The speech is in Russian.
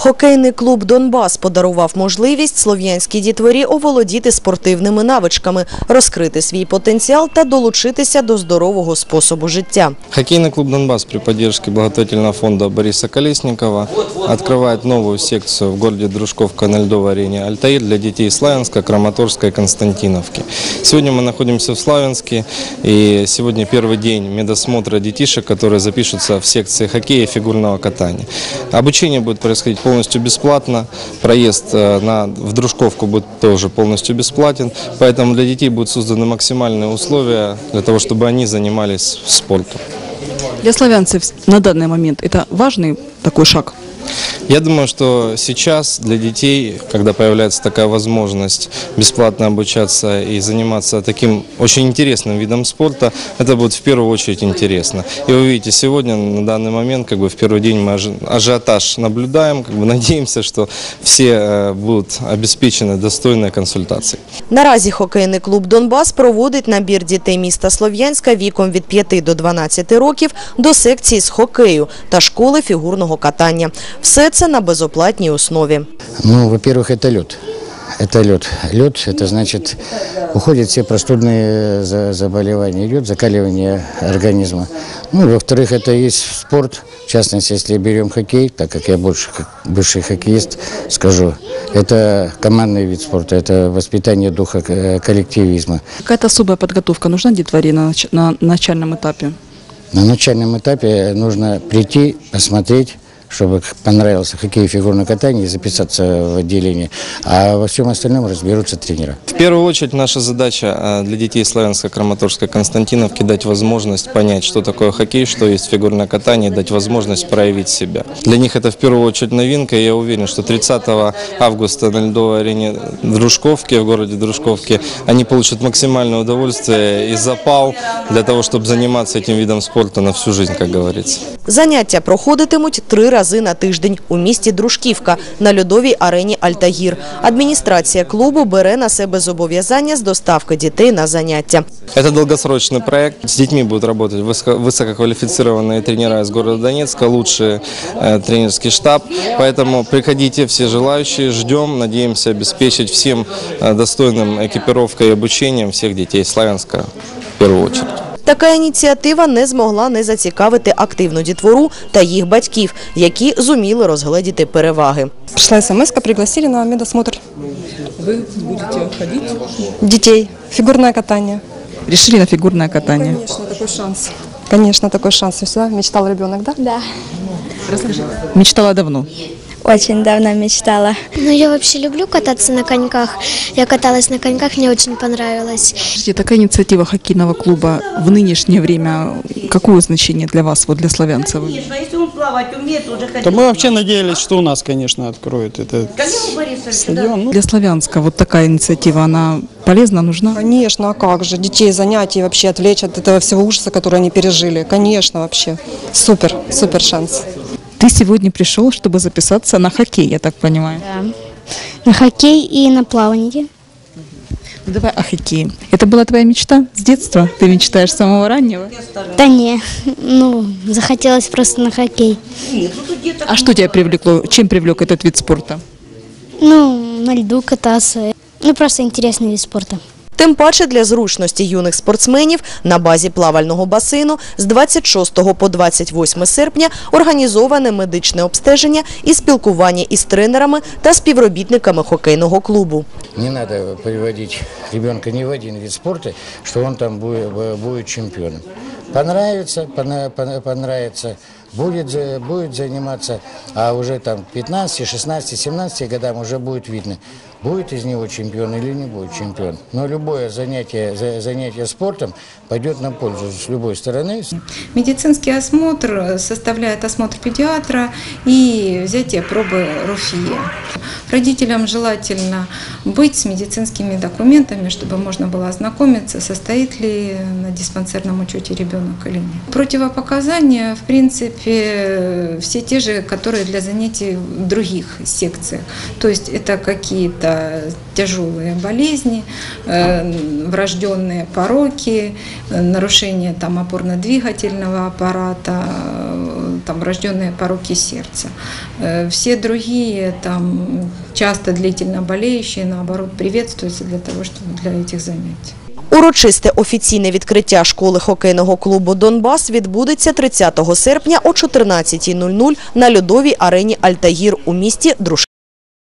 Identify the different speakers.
Speaker 1: Хокейний клуб «Донбас» подарував можливість слов'янській дітворі оволодіти спортивними навичками, розкрити свій потенціал та долучитися до здорового способу життя.
Speaker 2: Хоккейный клуб «Донбас» при поддержке благотворительного фонда Бориса Колесникова открывает новую секцию в городе Дружковка на льдовой арене «Альтаир» для детей Славянска, Краматорска и Константиновки. Сегодня мы находимся в Славянске, и сегодня первый день медосмотра детишек, которые запишутся в секции хоккея и фигурного катания. Обучение будет происходить полностью бесплатно, проезд в Дружковку будет тоже полностью бесплатен, поэтому для детей будут созданы максимальные условия для того, чтобы они занимались спортом.
Speaker 3: Для славянцев на данный момент это важный такой шаг?
Speaker 2: Я думаю, что сейчас для детей, когда появляется такая возможность бесплатно обучаться и заниматься таким очень интересным видом спорта, это будет в первую очередь интересно. И вы видите, сегодня на данный момент, в первый день мы ажиотаж наблюдаем, надеемся, что все будут обеспечены достойной консультацией.
Speaker 1: Наразі хокейний клуб «Донбас» проводить набір дітей міста Слов'янська віком від 5 до 12 років до секції з хокею та школи фігурного катання. Все це на безоплатній основі.
Speaker 4: Во-первых, это лед. Это лед. Лед, это значит, уходят все простудные заболевания, идет закаливание организма. Во-вторых, это есть спорт. В частности, если берем хоккей, так как я больше как бывший хоккеист скажу, это командный вид спорта, это воспитание духа коллективизма.
Speaker 3: Какая-то особая подготовка нужна детворе на начальном этапе?
Speaker 4: На начальном этапе нужно прийти, посмотреть, чтобы понравился хоккей и фигурное катание, и записаться в отделение. А во всем остальном разберутся тренера.
Speaker 2: В первую очередь наша задача для детей Славянска, Краматорска, Константиновки дать возможность понять, что такое хоккей, что есть фигурное катание, дать возможность проявить себя. Для них это в первую очередь новинка, и я уверен, что 30 августа на льдовой арене Дружковки, в городе Дружковки, они получат максимальное удовольствие и запал для того, чтобы заниматься этим видом спорта на всю жизнь, как говорится.
Speaker 1: Заняття проходитимуть 3 рази на тиждень у місті Дружківка на льодовій арені «Альтаїр». Адміністрація клубу бере на себе зобов'язання з доставки дітей на заняття.
Speaker 2: Это долгосрочный проект. С детьми будут работать высококвалифицированные тренера из города Донецка, лучший тренерский штаб. Поэтому приходите, все желающие, ждем, надеемся обеспечить всем достойным экипировкой и обучением всех детей Славянска в первую очередь.
Speaker 1: Така ініціатива не змогла не зацікавити активну дітвору та їх батьків, які зуміли розгледіти переваги.
Speaker 5: Пришла смс-ка, пригласили на медосмотр.
Speaker 3: Вы будете ходить?
Speaker 5: Детей. Фигурное катание.
Speaker 3: Решили на фигурное катание?
Speaker 5: Конечно, такой шанс. Конечно, такой шанс. Всегда мечтал ребенок, да?
Speaker 6: Да.
Speaker 3: Расскажи. Мечтала давно?
Speaker 6: Очень давно мечтала. Я вообще люблю кататься на коньках. Я каталась на коньках, мне очень понравилось.
Speaker 3: Такая инициатива хоккейного клуба в нынешнее время, какое значение для вас, для славянцев?
Speaker 7: Конечно, если он плавать умеет, уже хотел.
Speaker 8: То мы вообще надеялись, что у нас, конечно, откроют этот стадион.
Speaker 3: Для Славянска такая инициатива, она полезна, нужна?
Speaker 5: Конечно, а как же? Детей, занятий вообще отвлечь от этого всего ужаса, который они пережили. Конечно, вообще. Супер, супер шанс.
Speaker 3: Ты сегодня пришел, чтобы записаться на хоккей, я так понимаю.
Speaker 6: Да. На хоккей и на плавание.
Speaker 3: Давай о хоккее. Это была твоя мечта с детства? Ты мечтаешь с самого раннего?
Speaker 6: Да не, захотелось просто на хоккей.
Speaker 3: А что тебя привлекло? Чем привлек этот вид спорта?
Speaker 6: На льду кататься. Просто интересный вид спорта.
Speaker 1: Тим паче для зручності юних спортсменів на базі плавального басейну з 26 по 28 серпня організоване медичне обстеження і спілкування із тренерами та співробітниками хокейного клубу.
Speaker 4: Не надо приводить ребенка ни в один вид спорта, что он там будет чемпионом. Понравится, будет заниматься, а уже там 15, 16, 17 годам уже будет видно, будет из него чемпион или не будет чемпион. Но любое занятие спортом пойдет на пользу с любой стороны.
Speaker 9: Медицинский осмотр составляет осмотр педиатра и взятие пробы РУФИ. Родителям желательно быть с медицинскими документами, чтобы можно было ознакомиться, состоит ли на диспансерном учете ребенок или нет. Противопоказания, в принципе, все те же, которые для занятий в других секциях. То есть это какие-то тяжелые болезни, врожденные пороки, нарушение опорно-двигательного аппарата, там врожденные пороки сердца. Все другие, там, часто длительно болеющие, наоборот, приветствуются для этих занятий.
Speaker 1: Урочисте офіційне відкриття школи хокейного клубу «Донбас» відбудеться 30 серпня о 14:00 на льодовій арені «Альтаїр» у місті Дружківці.